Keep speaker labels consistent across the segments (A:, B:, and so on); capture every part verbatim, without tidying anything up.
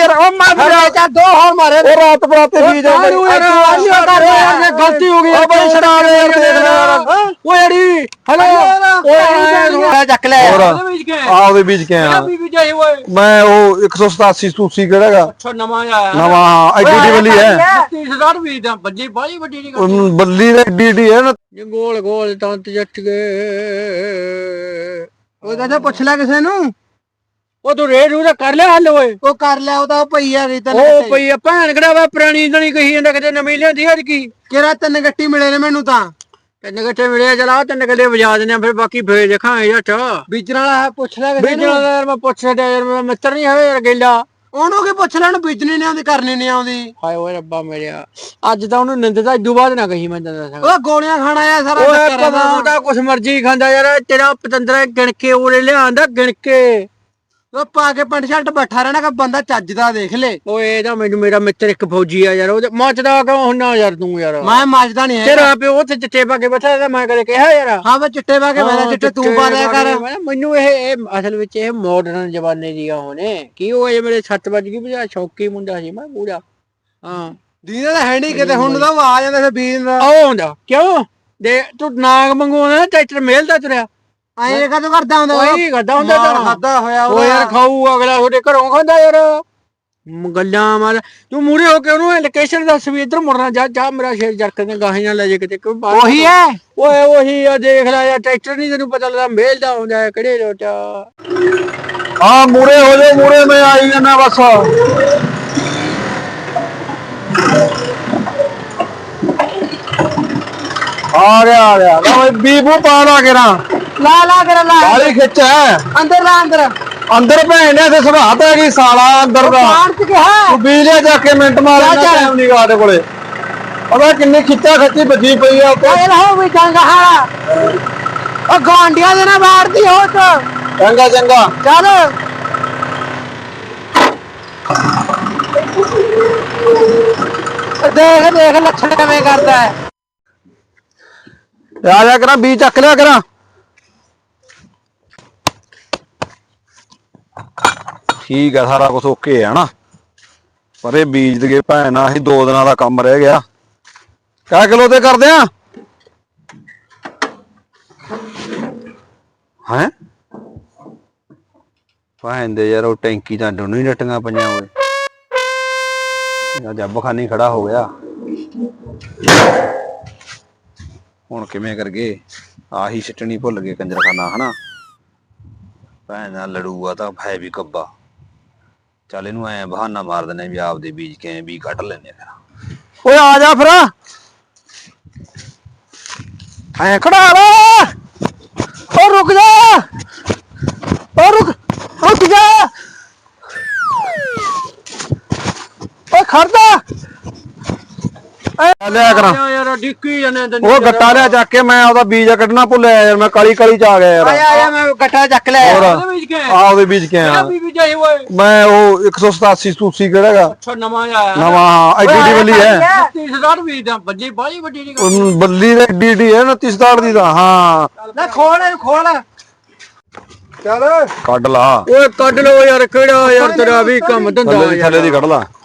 A: ਯਾਰ ਉਹ ਮਾਰ ਚਾ ਦੋ ਹੋਰ ਮਾਰੇ ਉਹ ਰਾਤ ਬਰਾਤੇ ਬੀਜ ਗਲਤੀ ਹੋ ਗਈ ਬਈ ਛੜਾ ਦੇ ਯਾਰ ਦੇਖ ਲੈ ਯਾਰ ਓ ਯਾਰੀ ਹੈਲੋ ਓਏ ਚੱਕ ਲੈ ਆ ਉਹਦੇ ਬੀਜ ਕੇ ਆ ਮੈਂ ਉਹ ਇੱਕ ਸੌ ਸਤਾਸੀ ਸੂਸੀ ਕਿਹੜਾਗਾ
B: ਅੱਛਾ ਨਵਾਂ ਆਇਆ
A: ਨਵਾਂ ਐਡੀ ਵੱਲੀ ਹੈ
B: ਤੀਸ ਹਜ਼ਾਰ ਵੀ ਦਾ ਵੱਡੀ ਬਾਲੀ ਵੱਡੀ ਨਹੀਂ
A: ਕਰਦੀ ਬੱਲੀ ਦੇ ਐਡੀ ਐਡੀ ਹੈ ਨਾ
B: ਗੋਲ ਗੋਲ ਤੰਤ ਜੱਟ ਗਏ ਉਹ ਤਾਂ ਪੁੱਛ ਲੈ ਕਿਸੇ ਨੂੰ ਉਹ ਤੂੰ ਰੇਡ ਉਹਦਾ ਕਰ ਲਿਆ ਹੱਲ ਓਏ ਉਹ ਕਰ ਲਿਆ ਉਹ ਤਾਂ ਭਈਆ ਗਈ ਤਾਂ ਉਹ ਭਈਆ ਭੈਣ ਕਿਹੜਾ ਵਾ ਪੁਰਾਣੀ ਨਹੀਂ ਕਹੀ ਜਾਂਦਾ ਕਿਤੇ ਨਵੀਂ ਲਿਆਂਦੀ ਅੱਜ ਕੀ ਕਿਹੜਾ ਤਿੰਨ ਗੱਟੀ ਮਿਲੇ ਨੇ ਮੈਨੂੰ ਤਾਂ ਤਿੰਨ ਗੱਟੇ ਮਿਲੇ ਚਲਾ ਤਿੰਨ ਗੱਲੇ ਵਜਾ ਦਿੰਦੇ ਆ ਫਿਰ ਬਾਕੀ ਫੇਰ ਦੇਖਾਂਗੇ ਜੱਟ ਬੀਜਣ ਵਾਲਾ ਪੁੱਛ ਲੈ ਕਿਸੇ ਨੂੰ ਬੀਜਣ ਵਾਲਾ ਯਾਰ ਮੈਂ ਪੁੱਛ ਲਿਆ ਯਾਰ ਮੇਰਾ ਮਿੱਤਰ ਨਹੀਂ ਹੈ ਯਾਰ ਗੇਲਾ ਉਹਨੂੰ ਕੀ ਪੁੱਛ ਲੈਣ ਬੀਜਣੀ ਨਹੀਂ ਆਉਂਦੀ ਕਰਨੀ ਨਹੀਂ ਆਉਂਦੀ ਹਾਏ ਓਏ ਰੱਬਾ ਮੇਰਿਆ ਅੱਜ ਤਾਂ ਉਹਨੂੰ ਨਿੰਦਦਾ ਇਦੋਂ ਬਾਅਦ ਨਾ ਕਹੀ ਮੈਂ ਦੱਸਾਂ ਉਹ ਗੋਲੀਆਂ ਖਾਣਾ ਆ ਸਾਰਾ ਚੱਕਰ ਦਾ ਉਹਦਾ ਕੁਛ ਮਰਜ਼ੀ ਖਾਂਦਾ ਯਾਰ ਤੇਰਾ ਪਤੰਦਰਾ ਗਿਣ ਕੇ ਉਹਨੇ ਲਿਆਂਦਾ ਗਿਣ ਕੇ ਉਹ ਪਾ ਕੇ ਪੈਂਟ ਸ਼ਰਟ ਬੈਠਾ ਰਹਿਣਾ ਕਿ ਬੰਦਾ ਚੱਜਦਾ ਦੇਖ ਲੈ ਓਏ ਇਹਦਾ ਮੈਨੂੰ ਮੇਰਾ ਮਿੱਤਰ ਇੱਕ ਫੌਜੀ ਆ ਯਾਰ ਉਹ ਮੱਚਦਾ ਕਿਉਂ ਹੁੰਨਾ ਯਾਰ ਤੂੰ ਯਾਰ ਮੈਂ ਮੱਚਦਾ ਨਹੀਂ ਤੇਰਾ ਪਿਓ ਉੱਥੇ ਚਿੱਟੇ ਪਾ ਕੇ ਬੈਠਾ ਤਾਂ ਮੈਂ ਕਦੇ ਕਿਹਾ ਯਾਰ ਹਾਂ ਮੈਂ ਚਿੱਟੇ ਪਾ ਕੇ ਬੈਠਾ ਚਿੱਟੇ ਤੂੰ ਪਾ ਲਿਆ ਕਰ ਮੈਨੂੰ ਇਹ ਇਹ ਅਸਲ ਵਿੱਚ ਇਹ ਮਾਡਰਨ ਜ਼ਮਾਨੇ ਦੀਆਂ ਹੋਣੇ ਕੀ ਉਹ ਇਹ ਮੇਰੇ ਸੱਤ ਵੱਜ ਗਈ ਬਜਾ ਸ਼ੌਕੀ ਮੁੰਡਾ ਸੀ ਮੈਂ ਪੂਰਾ ਹਾਂ ਦੀਦਾ ਤਾਂ ਹੈ ਨਹੀਂ ਕਿਤੇ ਹੁਣ ਤਾਂ ਆ ਜਾਂਦਾ ਫਿਰ ਬੀਜ ਦਾ ਉਹ ਹੁੰਦਾ ਕਿਉਂ ਦੇ ਤੂੰ ਨਾਗ ਮੰਗਵਾਉਣਾ ਟਰੈਕਟਰ ਮੇਲਦਾ ਤੁਰਿਆ ਐਂ ਕਦੋਂ ਕਰਦਾ ਹੁੰਦਾ ਉਹੀ ਕਰਦਾ ਹੁੰਦਾ ਤਾਂ ਖਾਦਾ ਹੋਇਆ ਉਹ ਯਾਰ ਖਾਊ ਅਗਲਾ ਤੁਹਾਡੇ ਘਰੋਂ ਖਾਂਦਾ ਯਾਰ ਗੱਲਾਂ ਮਾਰ ਤੂੰ ਮੂਰੇ ਹੋ ਕੇ ਉਹਨੂੰ ਲੋਕੇਸ਼ਨ ਦੱਸ ਵੀ ਇੱਧਰ ਮੁੜਨਾ ਜਾ ਜਾ ਮੇਰਾ ਸ਼ੇਰ ਜਰਕ ਦੇ ਗਾਹੀ ਨਾਲ ਲੈ ਜੇ ਕਿਤੇ ਕੋਈ ਉਹੀ ਹੈ ਓਏ ਉਹੀ ਆ ਦੇਖ ਲੈ ਯਾਰ ਟਰੈਕਟਰ ਨਹੀਂ ਤੈਨੂੰ ਪਤਾ ਲੱਗਦਾ ਮੇਲਦਾ ਹੁੰਦਾ ਕਿਹੜੇ ਰੋਟਾ
A: ਹਾਂ ਮੂਰੇ ਹੋ ਜਾ ਮੂਰੇ ਮੈਂ ਆਈ ਜਾਂਦਾ ਬਸ ਆ ਗਿਆ ਆ ਗਿਆ ਲੈ ਬੀਬੂ ਪਾ ਲਾ ਕੇ ਨਾ ਲਾ ਲਾ ਕਰ ਲਾ ਗਾਲੀ ਖਿੱਚ ਹੈ ਅੰਦਰ ਲਾ ਅੰਦਰ ਅੰਦਰ ਭੈਣ ਨੇ ਤੇ ਸੁਭਾਤ ਹੈ ਕੀ ਸਾਲਾ ਅੰਦਰ ਦਾ ਤੂੰ ਬੀਜੇ ਜਾ ਕੇ ਮਿੰਟ ਮਾਰਨਾ ਟਾਈਮ ਨਹੀਂ ਗਾਦੇ ਕੋਲੇ ਉਹਦਾ ਕਿੰਨੀ ਖਿੱਚਾ ਖੱਚੀ ਵੱਜੀ ਪਈ ਆ ਓਏ ਰਹੋ ਵੀ ਚੰਗਾ ਹਾਲਾ ਉਹ ਗਾਂਡੀਆਂ ਦੇ ਨਾ ਮਾਰਦੀ ਹੋ ਤ ਚੰਗਾ ਚੰਗਾ ਚੱਲ ਦੇਖ ਦੇਖ ਲੱਛਣ ਕਿਵੇਂ ਕਰਦਾ ਹੈ ਆ ਜਾ ਕਰਾਂ ਬੀਜ ਚੱਕ ਲਿਆ ਕਰਾਂ ਠੀਕ ਹੈ ਸਾਰਾ ਕੁਝ ਓਕੇ ਹੈ ਨਾ ਪਰ ਇਹ ਬੀਜ ਦੇ ਭੈਣ ਆਹੀ ਦੋ ਦਿਨਾਂ ਦਾ ਕੰਮ ਰਹਿ ਗਿਆ ਕਿਆ ਕਿਲੋ ਤੇ ਕਰਦੇ ਆ ਹੈ ਭੈਣ ਦੇ ਯਾਰ ਉਹ ਟੈਂਕੀ ਤਾਂ ਦੋਨੋਂ ਹੀ ਰੱਟੀਆਂ ਪਈਆਂ ਹੋਏ ਜੱਬ ਖਾਨੀ ਖੜਾ ਹੋ ਗਿਆ ਹੁਣ ਕਿਵੇਂ ਕਰਗੇ ਆਹੀ ਸਿੱਟਣੀ ਭੁੱਲ ਗਏ ਕੰਜਰਖਾਨਾ ਹਨਾ ਭੈਣ ਨਾਲ ਲੜੂਗਾ ਤਾਂ ਹੈ ਵੀ ਕੱਬਾ ਚੱਲ ਇਹਨੂੰ ਐ ਬਹਾਨਾ ਮਾਰ ਦਿੰਦੇ ਵੀ ਆਪਦੇ ਬੀਜ ਕੇ ਵੀ ਕੱਢ ਲੈਨੇ ਫਿਰ ਓਏ ਆ ਜਾ ਫਿਰ ਐ ਖੜਾ ਲਾ ਓ ਰੁਕ ਜਾ ਓ ਰੁਕ ਰੁਕ ਜਾ ਓ ਖੜਦਾ ਲਿਆ ਕਰਾਂ ਯਾਰ ਡਿੱਕੀ ਜਾਂਦੇ ਉਹ ਗੱਟਾ ਲਿਆ ਚੱਕ ਕੇ ਮੈਂ ਉਹਦਾ ਬੀਜ ਕੱਢਣਾ ਭੁੱਲਿਆ ਯਾਰ ਮੈਂ ਕਾਲੀ ਕਾਲੀ ਚ ਆ ਗਿਆ ਯਾਰ ਆਇਆ ਆਇਆ ਮੈਂ ਗੱਟਾ ਚੱਕ ਲਿਆ ਉਹਦੇ ਬੀਜ ਕੇ ਆ ਉਹਦੇ ਬੀਜ ਕੇ ਆ ਮੈਂ ਉਹ ਇੱਕ ਸੌ ਸਤਾਸੀ ਸੂਸੀ ਕਿਹੜਾਗਾ ਅੱਛਾ ਨਵਾਂ ਆਇਆ ਨਵਾਂ ਐਡੀ ਐਡੀ ਵੱਲੀ ਹੈ ਤੀਸ ਹਜ਼ਾਰ ਵੀ ਦਾ ਵੱਡੀ ਬਾਲੀ ਵੱਡੀ ਨਹੀਂ ਬੱਲੀ ਦੇ ਐਡੀ ਐਡੀ ਹੈ ਉਨੱਤੀ ਸੌ ਦੀ ਦਾ ਹਾਂ ਲੈ ਖੋਲ ਇਹਨੂੰ ਖੋਲ ਚੱਲ ਕੱਢ ਲਾ ਓਏ ਕੱਢ ਲੋ ਯਾਰ ਕਿਹੜਾ ਯਾਰ ਤੇਰਾ ਵੀ ਕੰਮ ਧੰਦਾ ਥੱਲੇ ਦੀ ਕੱਢ ਲਾ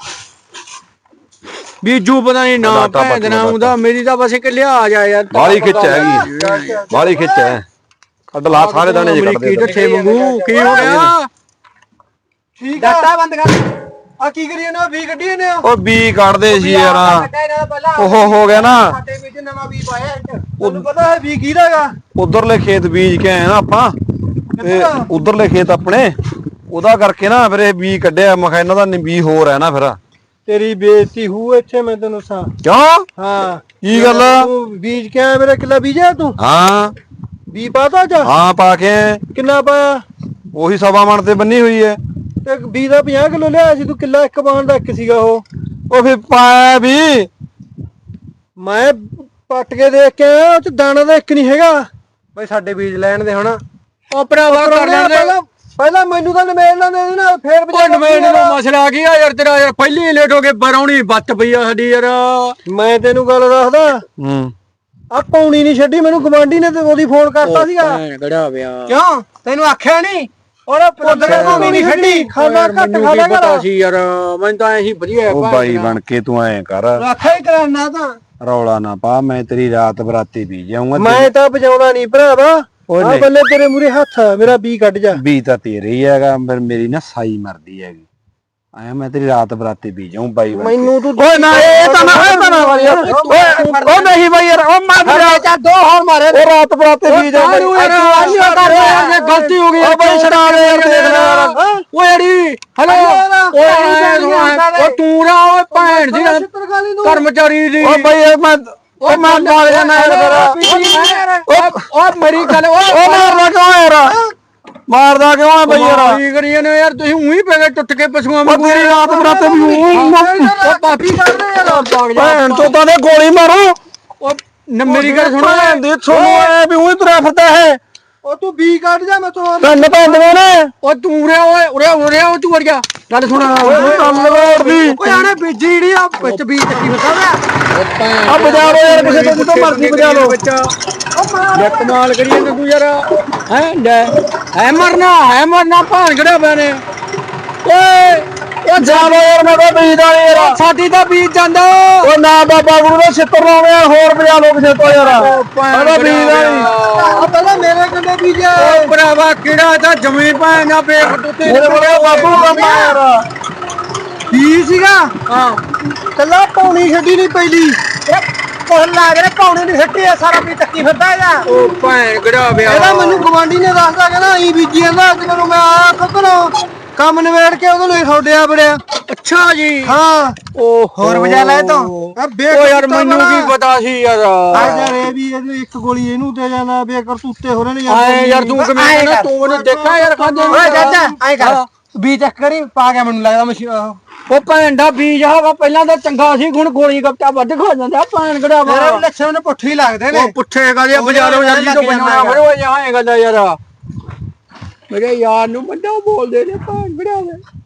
A: ਬੀਜੂ ਪਤਾ ਨਹੀਂ ਨਾ ਭੈਣ ਦੇ ਨਾਮ ਦਾ ਮੇਰੀ ਤਾਂ ਬਸ ਇੱਕ ਲਿਆ ਆ ਜਾ ਯਾਰ ਬਾਲੀ ਖਿੱਚ ਹੈਗੀ ਬਾਲੀ ਖਿੱਚ ਹੈ ਕੱਢ ਲਾ ਸਾਰੇ ਦਾਣੇ ਜੇ ਕੱਢ ਦੇ ਕੀ ਢੱਠੇ ਵਾਂਗੂ ਕੀ ਹੋ ਗਿਆ ਠੀਕ ਆ ਡਾਟਾ ਬੰਦ ਕਰ ਆ ਕੀ ਕਰੀ ਇਹਨੇ ਵੀ ਕੱਢੀ ਇਹਨੇ ਉਹ ਵੀ ਕੱਢਦੇ ਸੀ ਯਾਰ ਉਹ ਹੋ ਗਿਆ ਨਾ ਸਾਡੇ ਵਿੱਚ ਨਵਾਂ ਵੀ ਪਾਇਆ ਤੁਹਾਨੂੰ ਪਤਾ ਹੈ ਵੀ ਕਿਹਦਾਗਾ ਉਧਰਲੇ ਖੇਤ ਬੀਜ ਕੇ ਆਏ ਨਾ ਆਪਾਂ ਤੇ ਉਧਰਲੇ ਖੇਤ ਆਪਣੇ ਉਹਦਾ ਕਰਕੇ ਨਾ ਫਿਰ ਇਹ ਵੀ ਕੱਢਿਆ ਮੈਂ ਕਿਹਾ ਇਹਨਾਂ ਦਾ ਵੀ ਹੋਰ ਹੈ ਨਾ ਫਿਰ ਤੇਰੀ ਬੇਇੱਜ਼ਤੀ ਹੂ ਇੱਥੇ ਮੈਂ ਤੈਨੂੰ ਸਾਂ ਕਿਉਂ ਹਾਂ ਕੀ ਗੱਲ ਤੂੰ ਬੀਜ ਕੇ ਆਇਆ ਮੇਰਾ ਕਿੱਲਾ ਬੀਜਿਆ ਤੂੰ ਹਾਂ ਵੀ ਪਾਤਾ ਜਾ ਹਾਂ ਪਾ ਕੇ ਕਿੰਨਾ ਪਾਇਆ ਉਹੀ ਸਵਾ ਮਣ ਤੇ ਬੰਨੀ ਹੋਈ ਹੈ ਤੇ ਵੀਹ ਦਾ ਪੰਜਾਹ ਕਿਲੋ ਲਿਆਇਆ ਸੀ ਤੂੰ ਕਿੱਲਾ ਇੱਕ ਪਾਣ ਦਾ ਇੱਕ ਸੀਗਾ ਉਹ ਉਹ ਫਿਰ ਪਾਇਆ ਵੀ ਮੈਂ ਪੱਟ ਕੇ ਦੇਖ ਕੇ ਆਇਆ ਉਹ ਚ ਦਾਣਾ ਦਾ ਇੱਕ ਨਹੀਂ ਹੈਗਾ ਬਈ ਸਾਡੇ ਬੀਜ ਲੈਣ ਦੇ ਹੁਣ ਉਹ ਭਰਾਵਾ ਕਰ ਲੈਣ ਪਹਿਲਾਂ ਮੈਨੂੰ ਤਾਂ ਨਵੇੜਨਾ ਦੇ ਨਾ ਫੇਰ ਨਵੇੜ ਨੂੰ ਮਸਲਾ ਆ ਗਿਆ ਯਾਰ ਤੇਰਾ ਯਾਰ ਪਹਿਲੀ ਲੇਟ ਹੋ ਕੇ ਬਰੌਣੀ ਬੱਤ ਪਈ ਆ ਸਾਡੀ ਯਾਰ ਮੈਂ ਤੈਨੂੰ ਗੱਲ ਦੱਸਦਾ ਹੂੰ ਆ ਪੌਣੀ ਨਹੀਂ ਛੱਡੀ ਮੈਨੂੰ ਗਵਾਂਢੀ ਨੇ ਤੇ ਉਹਦੀ ਫੋਨ ਕਰਤਾ ਸੀਗਾ ਕਿਹੜਾ ਪਿਆ ਕਿਉਂ ਤੈਨੂੰ ਆਖਿਆ ਨਹੀਂ
B: ਓਏ ਪੁੱਤ ਕੇ ਤੂੰ ਨਹੀਂ ਖੱਡੀ ਖਾਣਾ ਘੱਟ ਖਾ ਲਿਆ ਕਰ ਸੀ ਯਾਰ ਮੈਂ ਤਾਂ ਐ ਹੀ ਵਧੀਆ
A: ਉਹ ਬਾਈ ਬਣ ਕੇ ਤੂੰ ਐ ਕਰ
B: ਆਖਿਆ ਹੀ ਕਰਾਨਾ ਤਾਂ
A: ਰੌਲਾ ਨਾ ਪਾ ਮੈਂ ਤੇਰੀ ਰਾਤ ਬਰਾਤੀ ਪੀ ਜਾਊਂਗਾ
B: ਮੈਂ ਤਾਂ ਵਜਾਉਣਾ ਨਹੀਂ ਭਰਾਵਾ ਆ ਬੱਲੇ ਤੇਰੇ ਮੂਰੇ ਹੱਥ ਮੇਰਾ ਬੀ ਕੱਢ ਜਾ
A: ਬੀ ਤਾਂ ਤੇਰੇ ਹੀ ਹੈਗਾ ਪਰ ਮੇਰੀ ਨਾ ਸਾਈ ਮਰਦੀ ਹੈਗੀ ਆਇਆ ਮੈਂ ਤੇਰੀ ਰਾਤ ਬਰਾਤੀ ਪੀ ਜਾਊਂ ਬਾਈ
B: ਮੈਨੂੰ ਤੂੰ ਓਏ ਨਾ ਇਹ ਤਾਂ ਨਾ ਇਹ ਤਾਂ ਨਾ ਵਾਲੀ ਓਏ ਉਹ ਨਹੀਂ ਬਾਈ ਯਾਰ ਉਹ ਮਾਰ ਜਾ ਦੋ ਹੋਰ ਮਾਰੇ ਉਹ ਰਾਤ ਬਰਾਤੀ ਪੀ ਜਾ ਯਾਰ ਗਲਤੀ ਹੋ ਗਈ ਓ ਬਾਈ ਛਡਾ ਦੇ ਯਾਰ ਦੇਖ ਲੈ ਯਾਰ ਓ ਯਾਰੀ ਹਲੋ ਓ ਤੂੰ ਰਾ ਓਏ ਭੈਣ ਦੀ ਕਰਮਚਾਰੀ ਦੀ ਓ ਬਾਈ ਮੈਂ ਓ ਮੈਂ ਮਾਰ ਜਾਣਾ ਯਾਰ ਓ ਮੇਰੀ ਗੱਲ ਓ ਮਾਰਨਾ ਕਿਉਂ ਯਾਰ ਮਾਰਦਾ ਕਿਉਂ ਆ ਬਈ ਯਾਰ ਕੀ ਕਰੀਏ ਨੇ ਯਾਰ ਤੁਸੀਂ ਉਹੀ ਪੈ ਗਏ ਟੁੱਟ ਕੇ ਪਸ਼ੂਆਂ ਵਾਂਗੂ ਤੇਰੀ ਰਾਤ ਬਰਾਤੇ ਵੀ ਉਹ ਪਾਪੀ ਕਰਦੇ ਯਾਰ ਭੈਣ ਚੋਦਾਂ ਦੇ ਗੋਲੀ ਮਾਰੋ ਉਹ ਮੇਰੀ ਗੱਲ ਸੁਣੋ ਭੈਣ ਦੀ ਸੁਣੋ ਐ ਵੀ ਉਹੀ ਤੁਰਿਆ ਫਿਰਦਾ ਹੈ ਉਹ ਤੂੰ ਬੀ ਕੱਢ ਜਾ ਮੈਂ ਤੋਂ ਤੈਨੂੰ ਪੈਂਦੇ ਨੇ ਉਹ ਤੂੰ ਉਰਿਆ ਓਏ ਉਰਿਆ ਉਰਿਆ ਉਹ ਤੂੰ ਵਰਗਾ ਗੱਲ ਸੁਣ ਕੰਮ ਲਗਾਉਣੀ ਓਏ ਆਣੇ ਬੀਜੀ ਜਿਹੜੀ ਆ ਵਿੱਚ ਬੀਜ ਚੱਕੀ ਫਸਾ ਆ ਬਜਾ ਲੋ ਯਾਰ ਕਿਸੇ ਤੋਂ ਜਿੱਦੋਂ ਮਰਜ਼ੀ ਬਜਾ ਲੋ ਲੈ ਕਮਾਲ ਕਰੀਏ ਤੇ ਤੂੰ ਯਾਰ ਹੈ ਲੈ ਹੈ ਮਰਨਾ ਹੈ ਮਰਨਾ ਭਾਣ ਕਿਹੜਾ ਬਣੇ ਓਏ ਉਹ ਜਾ ਲੋ ਯਾਰ ਮੈਂ ਤਾਂ ਬੀਜ ਦਾ ਯਾਰ ਸਾਡੀ ਤਾਂ ਬੀਜ ਜਾਂਦਾ ਓ ਨਾ ਬਾਬਾ ਗੁਰੂ ਦਾ ਛਿੱਤਰ ਲਾਉਣੇ ਹੋਰ ਬਜਾ ਲੋ ਕਿਸੇ ਤੋਂ ਯਾਰ ਉਹਦਾ ਬੀਜ ਦਾ ਆ ਪਹਿਲਾਂ ਮੇਰੇ ਕੰਡੇ ਬੀਜਿਆ ਓ ਭਰਾਵਾ ਕਿਹੜਾ ਤਾਂ ਜਮੀਨ ਭਾਂ ਨਾ ਬੇਖ ਟੁੱਤੇ ਮੇਰੇ ਕੋਲ ਬਾਬੂ ਕੰਮ ਯਾਰ ਕੀ ਸੀਗਾ ਹਾਂ ਕੱਲਾ ਪੌਣੀ ਛੱਡੀ ਨਹੀਂ ਪੈਲੀ ਕੋਹ ਲਾ ਕੇ ਪੌਣੀ ਨਹੀਂ ਛੱਡੀ ਆ ਸਾਰਾ ਵੀ ਚੱਕੀ ਫਿਰਦਾ ਆ ਉਹ ਭੈਣ ਕਿਹੜਾ ਵਿਆਹ ਇਹਦਾ ਮੈਨੂੰ ਗਵਾਂਢੀ ਨੇ ਦੱਸਦਾ ਕਹਿੰਦਾ ਅਸੀਂ ਬੀਜੀ ਜਾਂਦਾ ਅੱਜ ਮੈਨੂੰ ਮੈਂ ਆ ਖਤਰੋਂ ਕੰਮ ਨਵੇੜ ਕੇ ਉਹਨੂੰ ਹੀ ਛੋੜਿਆ ਬੜਿਆ ਅੱਛਾ ਜੀ ਹਾਂ ਉਹ ਹੋਰ ਵਜਾ ਲੈ ਤੂੰ ਓ ਯਾਰ ਮੈਨੂੰ ਕੀ ਪਤਾ ਸੀ ਯਾਰ ਆ ਯਾਰ ਇਹ ਵੀ ਇੱਕ ਗੋਲੀ ਇਹਨੂੰ ਦੇ ਜਾਣਾ ਬੇਕਰ ਸੁੱਤੇ ਹੋ ਰਹੇ ਨੇ ਯਾਰ ਐ ਯਾਰ ਤੂੰ ਕਿਵੇਂ ਕਹਿੰਦਾ ਤੂੰ ਮੈਨੂੰ ਦੇਖਾ ਯਾਰ ਖਾਂਦੇ ਓਏ ਚਾਚਾ ਐ ਕਰ ਬੀ ਚੈੱਕ ਕਰੀ ਪਾ ਗਿਆ ਮੈਨੂੰ ਲੱਗਦਾ ਮਸ਼ੀਨ ਉਹ ਭੈਣ ਦਾ ਬੀਜ ਆਵਾ ਪਹਿਲਾਂ ਤਾਂ ਚੰਗਾ ਸੀ ਹੁਣ ਗੋਲੀ ਗੱਪਟਾ ਵੱਧ ਖਾ ਜਾਂਦਾ ਭੈਣ ਕਿਹੜਾ ਵਾ ਮੇਰੇ ਲੱਛਣ ਨੇ ਪੁੱਠੇ ਹੀ ਲੱਗਦੇ ਨੇ ਉਹ ਪੁੱਠੇ ਕਾਹਦੇ ਬਾਜ਼ਾਰੋਂ ਯਾਰ ਜੀ ਤੋਂ ਬਣਾਉਣਾ ਫਿਰ ਉਹ ਜਹਾਂ ਇਹ ਗੱਲ ਯਾਰ ਮੇਰੇ ਯਾਰ ਨੂੰ ਬੰਦਾ ਬੋਲਦੇ ਨੇ ਭੈਣ ਕਿਹੜਾ